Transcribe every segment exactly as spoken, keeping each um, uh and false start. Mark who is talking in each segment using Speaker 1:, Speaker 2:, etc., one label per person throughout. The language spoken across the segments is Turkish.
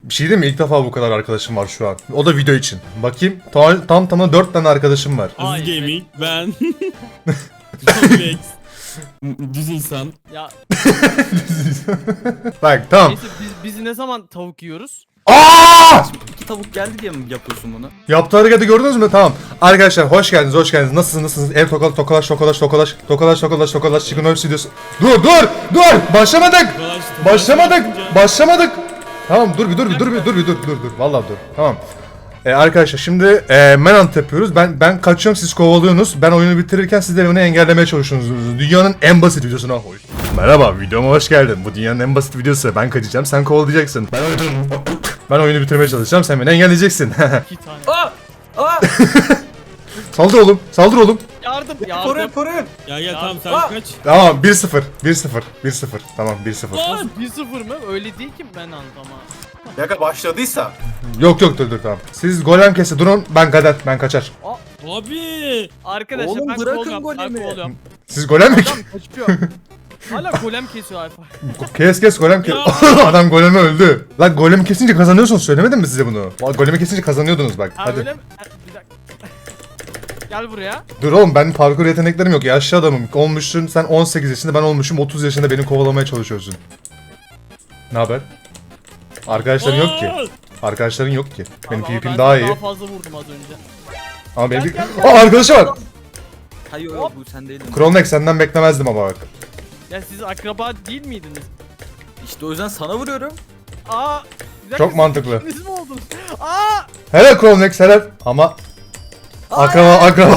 Speaker 1: Bir şey değil mi? İlk defa bu kadar arkadaşım var şu an. O da video için. Bakayım. Tam tam tamına dört tane arkadaşım var.
Speaker 2: Aziz
Speaker 3: Ay,
Speaker 2: Gaming, ben. Complex. Düz insan.
Speaker 3: Ya
Speaker 1: Bak tamam.
Speaker 3: neyse biz, biz ne zaman tavuk yiyoruz?
Speaker 1: Aa!
Speaker 4: İki tavuk geldi diye mi yapıyorsun bunu?
Speaker 1: Yaptığı hareketi gördünüz mü? Tamam. Arkadaşlar hoş geldiniz, hoş geldiniz. Nasılsınız, nasılsınız? Ev tokalaş, tokalaş, tokalaş, tokalaş, tokalaş, tokalaş, tokalaş, Chicken Oil Studios. Dur, dur, dur! Başlamadık!
Speaker 2: Dolaştı.
Speaker 1: Başlamadık! Başlamadık! Tamam dur bir dur bir dur bir dur bir dur dur dur. Vallahi dur. Tamam. Ee, arkadaşlar şimdi e, Manhunt yapıyoruz. Ben ben kaçıyorum, siz kovalıyorsunuz. Ben oyunu bitirirken siz de beni engellemeye çalışıyorsunuz. Dünyanın en basit videosuna hoş. Merhaba, videoma hoş geldin. Bu dünyanın en basit videosu. Ben kaçacağım, sen kovalayacaksın. Ben oyunu, ben oyunu bitirmeye çalışacağım, sen beni engelleyeceksin.
Speaker 3: İki tane.
Speaker 4: Aa! Aa!
Speaker 1: Saldır oğlum, saldır oğlum.
Speaker 3: Yardım
Speaker 4: Koruyun
Speaker 3: yardım.
Speaker 4: koruyun.
Speaker 2: Ya gel tamam sen
Speaker 4: Aa!
Speaker 2: kaç.
Speaker 1: Tamam bir sıfır. bir sıfır. bir sıfır. Tamam bir sıfır.
Speaker 2: Lan!
Speaker 3: bir sıfır mı? Öyle değil ki ben ama.
Speaker 4: Yaka başladıysa.
Speaker 1: Yok yok dur dur tamam. Siz golem kesi durun, ben kader, ben kaçar.
Speaker 2: Abi.
Speaker 3: Arkadaşlar
Speaker 4: Oğlum,
Speaker 3: ben
Speaker 4: bırakın
Speaker 3: kovalıyorum, ben
Speaker 4: golemi.
Speaker 3: kovalıyorum.
Speaker 1: Siz golem mi?
Speaker 3: Adam kaçıyor. Hala golem kesiyor Alfa.
Speaker 1: Kes kes golem kes.
Speaker 2: Ya.
Speaker 1: Adam golemi öldü. Lan golemi kesince kazanıyorsunuz, söylemedim mi size bunu? Vallahi golemi kesince kazanıyordunuz bak.
Speaker 3: Ha
Speaker 1: Hadi.
Speaker 3: öyle mi? Ha, bir dakika. Gel buraya.
Speaker 1: Dur oğlum, ben parkur yeteneklerim yok. Yaşlı adamım. Olmuşsun sen on sekiz yaşında, ben olmuşum otuz yaşında, beni kovalamaya çalışıyorsun. Ne haber? Arkadaşların yok ki. Arkadaşların yok ki. Benim
Speaker 3: Abi ama
Speaker 1: PvP'm
Speaker 3: ben
Speaker 1: daha
Speaker 3: sana
Speaker 1: iyi.
Speaker 3: Daha fazla vurdum az önce.
Speaker 1: Ama benim...
Speaker 3: Gel, gel, gel.
Speaker 1: Aa arkadaşı var.
Speaker 4: Hayır yok bu sen değildin.
Speaker 1: Kronek senden beklemezdim ama bak.
Speaker 3: Ya siz akraba değil miydiniz?
Speaker 4: İşte o yüzden sana vuruyorum.
Speaker 3: Aa. bir dakika,
Speaker 1: Çok
Speaker 3: siz
Speaker 1: mantıklı.
Speaker 3: ikiniz mi oldunuz? Aa.
Speaker 1: Helal Kronek helal. Ama... Akraba akraba...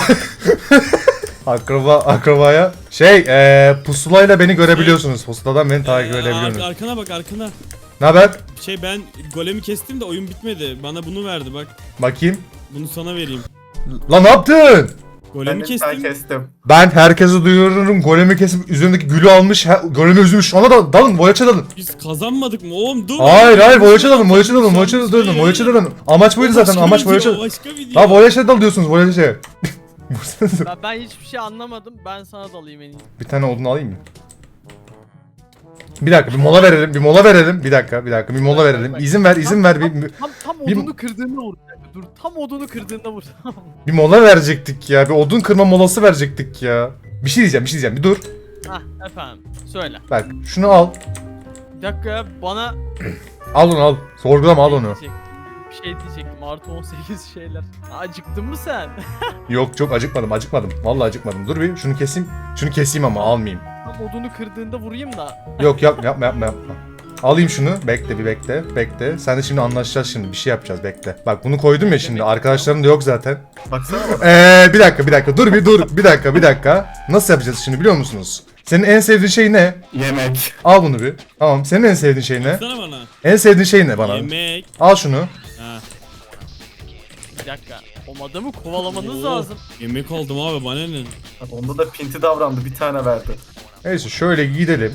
Speaker 1: akraba akrabaya... Şey eee pusulayla beni görebiliyorsunuz. Pusuladan beni takip
Speaker 2: Ee,
Speaker 1: edebiliyorsunuz.
Speaker 2: ar- arkana bak arkana.
Speaker 1: Ne haber?
Speaker 2: Şey ben golemi kestim de oyun bitmedi. Bana bunu verdi bak.
Speaker 1: Bakayım.
Speaker 2: Bunu sana vereyim.
Speaker 1: Lan ne yaptın?
Speaker 2: Golemi kestim.
Speaker 4: kestim.
Speaker 1: Ben herkese duyururum, golemi kesip üzerindeki gülü almış, he, golemi üzmüş. Ona da dalın, voyaça dalın.
Speaker 2: Biz kazanmadık mı oğlum? Dur.
Speaker 1: Hayır hayır, voyaça dalın, voyaça dalın, voyaça dalın, voyaça dalın. Amaç buydu zaten,
Speaker 2: Başka
Speaker 1: amaç
Speaker 2: video,
Speaker 1: voyaça.
Speaker 2: Başka video.
Speaker 1: Ha voyaça dal diyorsunuz, voyaça.
Speaker 3: Ben, ben hiçbir şey anlamadım. Ben sana dalayım en iyi.
Speaker 1: Bir tane odun alayım mı? Bir dakika, bir mola verelim, bir mola verelim. Bir dakika, bir dakika, bir mola verelim. İzin ver, izin ver. Bir, bir,
Speaker 3: Tam tam
Speaker 1: Bir-
Speaker 3: odunu kırdığında vur. Bir dakika, Dur tam odunu kırdığında vur.
Speaker 1: bir mola verecektik ya, bir odun kırma molası verecektik ya. Bir şey diyeceğim, bir şey diyeceğim, bir dur.
Speaker 3: Hah efendim. Söyle.
Speaker 1: Bak, şunu al.
Speaker 3: Bir dakika ya, bana
Speaker 1: Al onu al. Sorgulama, al onu.
Speaker 3: diyecektim. Bir şey diyecektim. Artı on sekiz şeyler. Acıktın mı sen?
Speaker 1: Yok çok acıkmadım, acıkmadım. Vallahi acıkmadım. Dur bir, şunu keseyim. Şunu keseyim ama almayayım.
Speaker 3: Tam odunu kırdığında vurayım da.
Speaker 1: Yok yap, yapma yapma yapma. Alayım şunu. Bekle bir bekle. Bekle. Sen de şimdi anlaşacağız şimdi. Bir şey yapacağız. Bekle. Bak bunu koydum ya şimdi. Arkadaşlarım da yok zaten.
Speaker 4: Baksana bana.
Speaker 1: Eee bir dakika bir dakika. Dur bir dur. Bir dakika bir dakika. Nasıl yapacağız şimdi biliyor musunuz? Senin en sevdiğin şey ne?
Speaker 4: Yemek.
Speaker 1: Al bunu bir. Tamam. Senin en sevdiğin şey ne?
Speaker 2: Sana bana.
Speaker 1: En sevdiğin şey ne bana?
Speaker 2: Yemek.
Speaker 1: Al şunu.
Speaker 2: Ha.
Speaker 3: Bir dakika. O adamı kovalamanız
Speaker 2: Oo,
Speaker 3: lazım.
Speaker 2: Yemek oldum abi bana ne?
Speaker 4: Onda da pinti davrandı bir tane verdi.
Speaker 1: Neyse şöyle gidelim.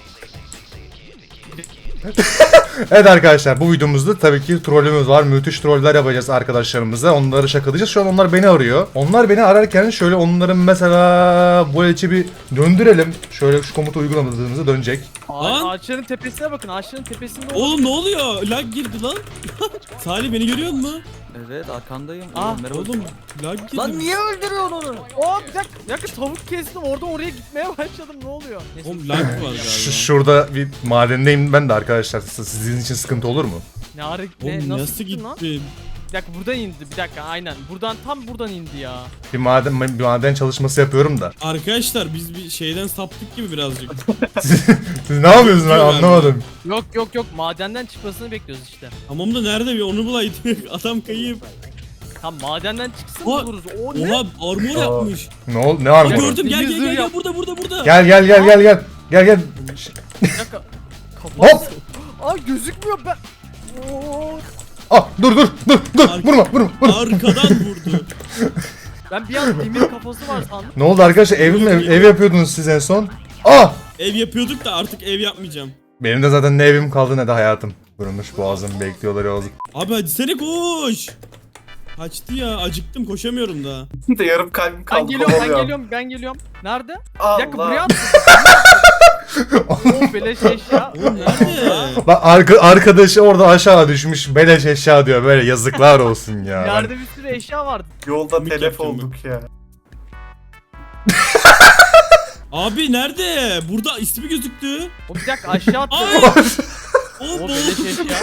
Speaker 1: Evet arkadaşlar, bu videomuzda tabii ki trollümüz var. Müthiş troller yapacağız arkadaşlarımıza. Onları şakalayacağız. Şu an onlar beni arıyor. Onlar beni ararken şöyle onların mesela bu içi bir döndürelim. Şöyle şu komutu uygulamadığımızda dönecek.
Speaker 2: Lan!
Speaker 3: Ağ- ağaçların tepesine bakın. Ağaçların tepesinde o-
Speaker 2: Oğlum ne oluyor? Lag girdi lan. Salih beni görüyor musun?
Speaker 4: Evet arkandayım.
Speaker 3: Ah,
Speaker 4: Oğlum, merhaba.
Speaker 2: Oğlum lag girdi.
Speaker 4: Lan niye öldürüyorsun onu?
Speaker 3: Oo bir dakika. Bir dakika tavuk kestim. Orada oraya gitmeye başladım. Ne oluyor? Neyse.
Speaker 2: Oğlum lag var galiba.
Speaker 1: Şu, şurada bir madendeyim ben de arkadaşlar. Siz- Sizin için sıkıntı olur mu?
Speaker 3: Ne ara ne,
Speaker 2: Oğlum
Speaker 3: nasıl,
Speaker 2: nasıl
Speaker 3: gittin lan?
Speaker 2: gittin?
Speaker 3: Bir dakika buradan indi. Bir dakika aynen. Buradan tam buradan indi ya.
Speaker 1: Bir maden bir maden çalışması yapıyorum da.
Speaker 2: Arkadaşlar biz bir şeyden saptık gibi birazcık.
Speaker 1: Siz, siz ne yapıyorsunuz ben anlamadım.
Speaker 3: Yok yok yok. Madenden çıkmasını bekliyoruz işte.
Speaker 2: Tamam da nerede bir onu bulaydık. Adam kayıp.
Speaker 3: Tam madenden çıksın
Speaker 2: Oha,
Speaker 3: buluruz. O ne?
Speaker 2: Oha armor yapmış.
Speaker 1: Ne ol ne
Speaker 2: Aa,
Speaker 1: armoru?
Speaker 2: gördüm gel gel
Speaker 3: Zırh
Speaker 2: gel, gel
Speaker 3: yap.
Speaker 2: burada burada burada.
Speaker 1: Gel gel gel gel gel. Gel gel.
Speaker 3: Bir dakika. Kafa.
Speaker 1: Hop.
Speaker 3: Aa gözükmüyor ben. Oo.
Speaker 1: Ah dur dur dur dur.
Speaker 2: Ar-
Speaker 1: Vurma vurma vurma.
Speaker 2: Arkadan vurdu.
Speaker 3: Ben bir an demir kafası var sandım.
Speaker 1: Ne oldu arkadaşlar, ev mi ev yapıyordunuz siz en son? Ah!
Speaker 2: Ev yapıyorduk da artık ev yapmayacağım.
Speaker 1: Benim de zaten ne evim kaldı ne de hayatım. Vurulmuş boğazım bekliyorlar yolda.
Speaker 2: Abi hadi seni koş. Kaçtı ya acıktım koşamıyorum daha.
Speaker 4: De yarım kalbim kaldı.
Speaker 3: Ben geliyorum ben
Speaker 4: kovalıyor.
Speaker 3: geliyorum ben geliyorum. Nerede?
Speaker 4: Allah.
Speaker 3: Bir dakika buraya at. Oh beleş eşya.
Speaker 2: Oğlum nerede?
Speaker 1: Bak arka, arkadaşı orada aşağı düşmüş beleş eşya diyor böyle yazıklar olsun ya. Ben-
Speaker 3: Yerde bir sürü eşya vardı.
Speaker 4: Yolda
Speaker 2: Komik
Speaker 4: telef
Speaker 2: yapacağım
Speaker 4: olduk ya.
Speaker 2: Abi nerede? Burada ismi gözüktü.
Speaker 3: O bir dakika aşağı attı.
Speaker 2: Ay!
Speaker 3: O
Speaker 2: Oğlum
Speaker 3: beleş eşya.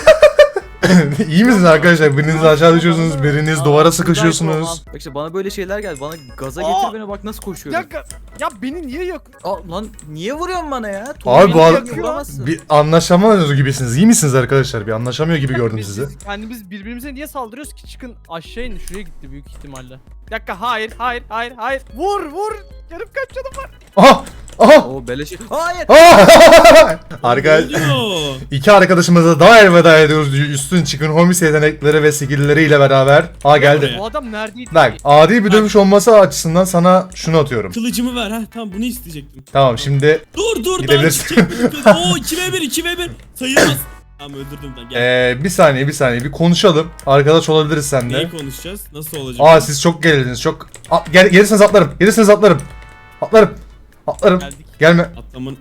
Speaker 1: İyi misiniz arkadaşlar? Biriniz aşağı düşüyorsunuz, biriniz duvara sıkışıyorsunuz.
Speaker 4: Bak işte bana böyle şeyler geldi. Bana gaza
Speaker 3: Aa!
Speaker 4: getir beni bak nasıl
Speaker 3: Bir
Speaker 4: koşuyorum.
Speaker 3: dakika. Ya beni niye yok?
Speaker 4: Aa, lan niye vuruyorsun bana ya?
Speaker 1: Abi bu
Speaker 4: Tuğlayı
Speaker 1: ar-
Speaker 4: vuramazsın.
Speaker 1: Bir anlaşamıyorsunuz gibisiniz. İyi misiniz arkadaşlar? Bir anlaşamıyor gibi gördüm
Speaker 3: Biz-
Speaker 1: sizi.
Speaker 3: biz Kendimiz birbirimize niye saldırıyoruz ki? Çıkın aşağı in. Şuraya gitti büyük ihtimalle. Bir dakika hayır hayır hayır hayır. Vur vur. Yarım kaç canım var.
Speaker 1: Aha! Aha!
Speaker 4: Oo beleş. Hayır.
Speaker 1: Aha! Arkadaş,
Speaker 2: ne oluyor?
Speaker 1: iki arkadaşımıza daha elveda ediyoruz. Üstün çıkın homies yetenekleri ve skill'leriyle beraber. Aa geldi.
Speaker 3: Bu adam neredeydi?
Speaker 1: Bak adil bir dövüş olması açısından sana şunu atıyorum.
Speaker 2: Kılıcımı ver ha. Tamam bunu isteyecektim.
Speaker 1: Tamam şimdi
Speaker 2: Dur dur daha
Speaker 1: Gidebilirsin.
Speaker 2: çiçek. Oo iki ve bir iki ve bir. Sayılmaz. Tamam öldürdüm ben. Gel.
Speaker 1: ee, bir saniye bir saniye bir konuşalım. Arkadaş olabiliriz seninle.
Speaker 2: Neyi konuşacağız? Nasıl olacak?
Speaker 1: Aa siz çok gerildiniz çok. A, gel, gelirseniz atlarım. Gelirseniz atlarım. Atlarım. Atlarım.
Speaker 2: Geldik.
Speaker 1: Gelme.
Speaker 2: Atlamın.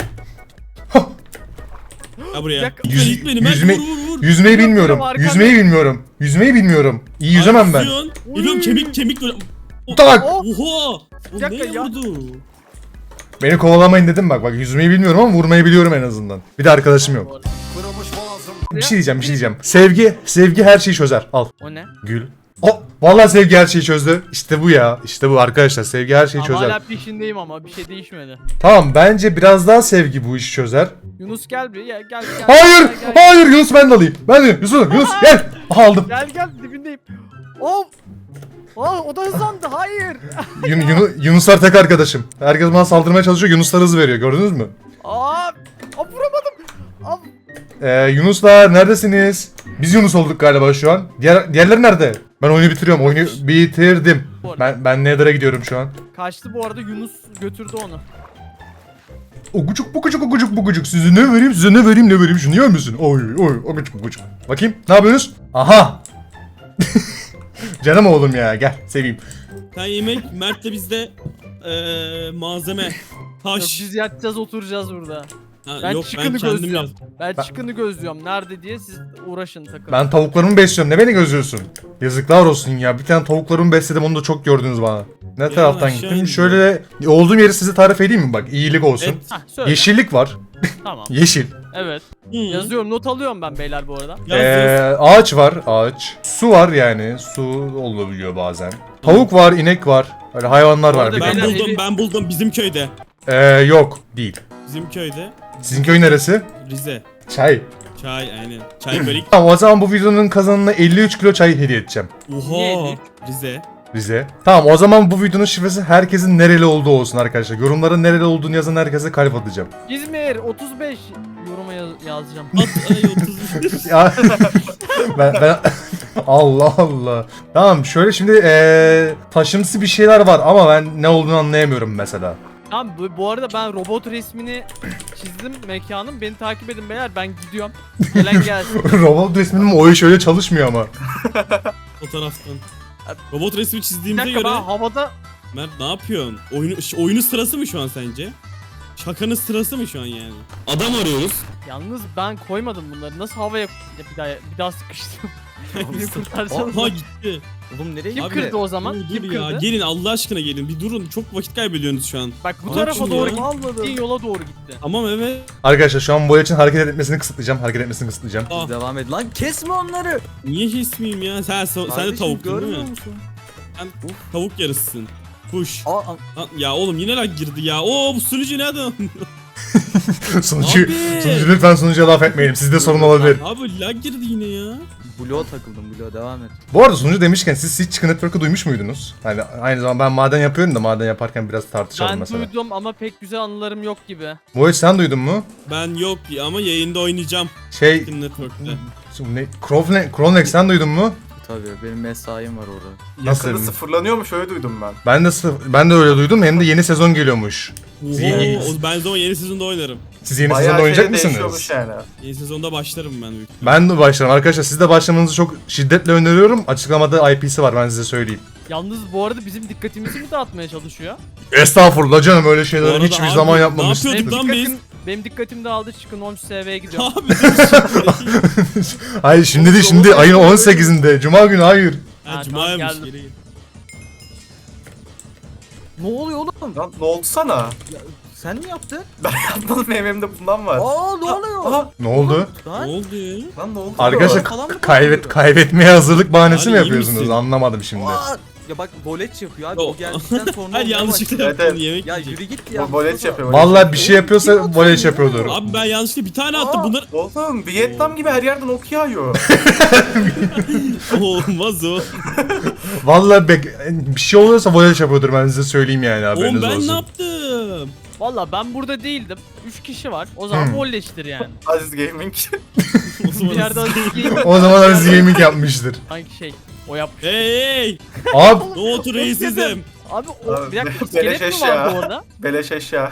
Speaker 1: Hah.
Speaker 2: Ya buraya.
Speaker 3: Yak-
Speaker 1: Yüz-
Speaker 2: Yüz, beni,
Speaker 1: yüzme-
Speaker 2: vur vur vur.
Speaker 1: Yüzmeyi
Speaker 3: Yok,
Speaker 1: bilmiyorum.
Speaker 3: benim arkamda-
Speaker 1: Yüzmeyi bilmiyorum. Yüzmeyi bilmiyorum. İyi yüzemem ben.
Speaker 2: Yüzüyorsun. Geliyorum kemik kemik böyle. O-
Speaker 1: Tak.
Speaker 3: Oh.
Speaker 2: Oha. O
Speaker 3: Bir dakika
Speaker 2: neye
Speaker 3: ya.
Speaker 2: vurdu?
Speaker 1: Beni kovalamayın dedim bak. Bak yüzmeyi bilmiyorum ama vurmayı biliyorum en azından. Bir de arkadaşım yok. Bir şey diyeceğim, bir şey diyeceğim. Sevgi, sevgi her şeyi çözer. Al.
Speaker 3: O ne?
Speaker 1: Gül. Oh, vallahi sevgi her şeyi çözdü. İşte bu ya. İşte bu arkadaşlar. Sevgi her şeyi
Speaker 3: Ama
Speaker 1: çözer.
Speaker 3: hala peşindeyim ama bir şey değişmedi.
Speaker 1: Tamam, bence biraz daha sevgi bu işi çözer.
Speaker 3: Yunus gel bir gel gel gel.
Speaker 1: Hayır,
Speaker 3: Gel gel, gel.
Speaker 1: hayır Yunus ben de alayım. Ben de Yunus, Yunus gel. Aha, aldım.
Speaker 3: Gel gel dibindeyim. Oh. Aa o da hızlandı. Hayır.
Speaker 1: Yun, Yun- Yunuslar tek arkadaşım. Herkes bana saldırmaya çalışıyor. Yunuslar hız veriyor. Gördünüz mü?
Speaker 3: Aa, aa vuramadım. Aa,
Speaker 1: Ee, Yunuslar neredesiniz? Biz Yunus olduk galiba şu an. Diğer, diğerleri nerede? Ben oyunu bitiriyorum. Oyunu bitirdim. Ben ben Nether'a gidiyorum şu an.
Speaker 3: kaçtı bu arada Yunus götürdü onu.
Speaker 1: Ogucuk bugucuk ogucuk bugucuk. Size ne vereyim size ne vereyim ne vereyim şunu yer misin? Oy oy ogucuk bugucuk. Bakayım ne yapıyorsunuz? Aha. Canım oğlum ya gel seveyim.
Speaker 2: Sen yemek, Mert de bizde eee malzeme.
Speaker 3: Yok,
Speaker 2: Taş.
Speaker 3: biz yatacağız oturacağız burada.
Speaker 2: Ha,
Speaker 3: Ben
Speaker 2: yok
Speaker 3: çıkını
Speaker 2: ben kendim
Speaker 3: gözlüyorum.
Speaker 2: yazdım.
Speaker 3: Ben,
Speaker 1: Ben-
Speaker 3: çıkını gözlüyorum. Nerede diye siz uğraşın takılın.
Speaker 1: Ben tavuklarımı besliyorum. Ne beni gözlüyorsun? Yazıklar olsun ya. Bir tane tavuklarımı besledim onu da çok gördünüz bana. Ne taraftan
Speaker 2: aşağı
Speaker 1: gittim?
Speaker 2: indim.
Speaker 1: Şöyle olduğum yeri size tarif edeyim mi? Bak iyilik olsun.
Speaker 2: Et.
Speaker 3: Hah söyle.
Speaker 1: Yeşillik var.
Speaker 3: Tamam.
Speaker 1: Yeşil.
Speaker 3: Evet.
Speaker 2: Hı.
Speaker 3: Yazıyorum not alıyorum ben beyler bu arada.
Speaker 2: Yaz,
Speaker 1: Ee,
Speaker 2: yaz.
Speaker 1: ağaç var. Ağaç. Su var yani. Su olabiliyor bazen. Tavuk var. inek var. Öyle hayvanlar
Speaker 3: Bu
Speaker 1: var.
Speaker 3: arada
Speaker 1: Bir
Speaker 2: Ben
Speaker 1: de.
Speaker 3: beyler-
Speaker 2: buldum,
Speaker 3: evi-
Speaker 2: ben buldum bizim köyde.
Speaker 1: Ee, yok. Değil.
Speaker 2: Bizim köyde.
Speaker 1: Sizin köy neresi?
Speaker 2: Rize.
Speaker 1: Çay.
Speaker 2: Çay aynen. Çay bölik.
Speaker 1: Tamam o zaman bu videonun kazananına elli üç kilo çay hediye edeceğim.
Speaker 2: Oha.
Speaker 3: Neydi?
Speaker 2: Rize.
Speaker 1: Bize. Tamam o zaman bu videonun şifresi herkesin nereli olduğu olsun arkadaşlar. Yorumlara nereli olduğunu yazan herkese kalp atacağım.
Speaker 3: İzmir otuz beş yoruma yaz- yazacağım.
Speaker 2: At ay otuz bir.
Speaker 1: Ya ben, ben Allah Allah. Tamam şöyle şimdi eee taşımsı bir şeyler var ama ben ne olduğunu anlayamıyorum mesela.
Speaker 3: Tamam bu, bu arada ben robot resmini çizdim mekanın. Beni takip edin beyler ben gidiyorum. Gelen gelsin.
Speaker 1: Robot resminin oyu şöyle çalışmıyor ama.
Speaker 2: Fotoğraftan. Robot resmi
Speaker 3: Bir
Speaker 2: çizdiğimize
Speaker 3: dakika
Speaker 2: göre
Speaker 3: ben havada
Speaker 2: Mert ne yapıyorsun? Oyunu ş- oyunun sırası mı şu an sence? Şakanın sırası mı şu an yani? Adam arıyoruz.
Speaker 3: yalnız ben koymadım bunları. Nasıl havaya Ya bir daha bir daha sıkıştım. Beni kurtarsanız.
Speaker 2: Aha gitti.
Speaker 4: Oğlum nereye
Speaker 3: Kim
Speaker 2: Abi,
Speaker 3: kırdı o zaman?
Speaker 2: Dur,
Speaker 3: Kim
Speaker 2: dur ya.
Speaker 3: kırdı?
Speaker 2: Gelin Allah aşkına gelin. Bir durun. Çok vakit kaybediyorsunuz şu an.
Speaker 3: Bak bu
Speaker 2: Ama
Speaker 3: tarafa
Speaker 2: kim
Speaker 3: doğru
Speaker 2: ya?
Speaker 3: gittiğin yola doğru gitti.
Speaker 2: Tamam evet.
Speaker 1: Arkadaşlar şu an boya için hareket etmesini kısıtlayacağım. Hareket etmesini kısıtlayacağım.
Speaker 2: Ah,
Speaker 4: Devam et lan kesme onları.
Speaker 2: niye kesmeyeyim ya? Sen, sen, sen de
Speaker 4: Kardeşim,
Speaker 2: tavuktun değil
Speaker 4: görmüyor
Speaker 2: mi?
Speaker 4: musun?
Speaker 2: Sen tavuk yarısısın. Push.
Speaker 4: Aa, aa,
Speaker 2: Lan, ya oğlum yine lag girdi ya. Oo bu sunucu ne adam?
Speaker 1: sunucu,
Speaker 2: Abi.
Speaker 1: sunucu lütfen sunucuya laf etmeyelim. Sizde sorun olabilir.
Speaker 2: Abi lag girdi yine ya.
Speaker 4: bloğa takıldım bloğa devam et.
Speaker 1: Bu arada sunucu demişken siz hiç Chicken Network'ı duymuş muydunuz? Hani aynı zamanda ben maden yapıyorum da maden yaparken biraz tartışalım
Speaker 3: Ben
Speaker 1: mesela.
Speaker 3: duydum ama pek güzel anılarım yok gibi.
Speaker 1: Boya sen duydun mu?
Speaker 2: Ben yok ama yayında oynayacağım.
Speaker 1: Şey,
Speaker 2: Chicken Network'te.
Speaker 1: ne, Crowne- Cronex sen duydun mu?
Speaker 4: Tabii benim mesaim var orada.
Speaker 1: Nasıl?
Speaker 4: Yakında sıfırlanıyormuş öyle duydum ben.
Speaker 1: Ben de sı- ben de öyle duydum. Hem de yeni sezon geliyormuş.
Speaker 2: Oho,
Speaker 1: Yeni-
Speaker 2: o- ben zaman yeni sezonda oynarım.
Speaker 1: Siz yeni
Speaker 4: Bayağı
Speaker 1: sezonda oynayacak
Speaker 4: şey
Speaker 1: mısınız?
Speaker 4: değişiyormuş yani.
Speaker 2: Yeni sezonda başlarım ben büyük.
Speaker 1: Ben de başlarım. Arkadaşlar siz de başlamanızı çok şiddetle öneriyorum. Açıklamada I P'si var ben size söyleyeyim.
Speaker 3: Yalnız bu arada bizim dikkatimizi mi dağıtmaya çalışıyor?
Speaker 1: Estağfurullah canım öyle
Speaker 2: Bu
Speaker 1: şeyleri
Speaker 2: arada
Speaker 1: hiçbir
Speaker 2: abi,
Speaker 1: zaman
Speaker 2: ne
Speaker 1: yapmamışsınız.
Speaker 2: yapıyorduk lan biz?
Speaker 3: Benim dikkatim dağıldı. Çıkın on üç S V'ye gidiyorum.
Speaker 2: Abi dur şimdi.
Speaker 1: Hayır şimdi değil şimdi ayın on sekizinde. Cuma günü hayır.
Speaker 2: Ha
Speaker 3: Ha,
Speaker 2: cumaymış
Speaker 3: tamam,
Speaker 2: geri git.
Speaker 4: Ne oluyor oğlum?
Speaker 5: Lan ne oldu sana?
Speaker 4: Sen mi yaptın?
Speaker 5: Ben yapmadım, benim elimde bundan var.
Speaker 4: Aa ne oluyor?
Speaker 5: Aha,
Speaker 1: Ne oldu?
Speaker 2: Ne
Speaker 4: Lan
Speaker 2: oldu ya?
Speaker 5: lan ne oldu?
Speaker 1: Arkadaşlar
Speaker 4: falan mı
Speaker 1: k- kaybet
Speaker 4: konuşuyor?
Speaker 1: kaybetmeye hazırlık bahanesi
Speaker 2: Abi,
Speaker 1: mi
Speaker 2: iyi
Speaker 1: yapıyorsunuz?
Speaker 2: misin?
Speaker 1: Anlamadım şimdi.
Speaker 4: Aa! Ya bak boleç yapıyor abi.
Speaker 2: Yo.
Speaker 4: O geldikten sonra
Speaker 2: Hayır
Speaker 4: olmaya
Speaker 2: yanlışlıkla
Speaker 4: başladı.
Speaker 2: yaptım
Speaker 5: Evet,
Speaker 2: yemek
Speaker 4: Ya
Speaker 2: yiyecek.
Speaker 4: yürü git ya.
Speaker 5: Bu boleç
Speaker 4: Mustafa.
Speaker 5: yapıyor. boleç
Speaker 1: Vallahi bir
Speaker 5: yapıyor.
Speaker 1: şey yapıyorsa
Speaker 4: Kim atıyor
Speaker 1: voleç
Speaker 4: ya?
Speaker 1: yapıyordur.
Speaker 2: Abi ben yanlışlıkla bir tane attım
Speaker 4: Aa.
Speaker 2: bunlar.
Speaker 5: Oğlum Vietnam gibi her yerden ok yağıyor.
Speaker 2: Olmaz o.
Speaker 1: Vallahi bek bir şey oluyorsa voleç yapıyordur ben size söyleyeyim yani
Speaker 2: Oğlum
Speaker 1: haberiniz
Speaker 2: ben ne
Speaker 1: olsun.
Speaker 2: yaptım?
Speaker 3: Valla ben burada değildim. üç kişi var. O zaman
Speaker 1: Hmm.
Speaker 3: volleştir yani.
Speaker 5: Aziz Gaming.
Speaker 2: O zaman
Speaker 3: Bir yerde Aziz Gaming
Speaker 1: O zaman Aziz Gaming yapmıştır.
Speaker 3: hangi şey? O yapmış.
Speaker 2: Hey hey.
Speaker 1: Abi
Speaker 2: Ne otur reisizim.
Speaker 3: Abi o
Speaker 5: Abi,
Speaker 3: bir dakika
Speaker 5: beleş
Speaker 3: iskelet mi
Speaker 5: eşya.
Speaker 3: vardı orada?
Speaker 5: Beleş eşya.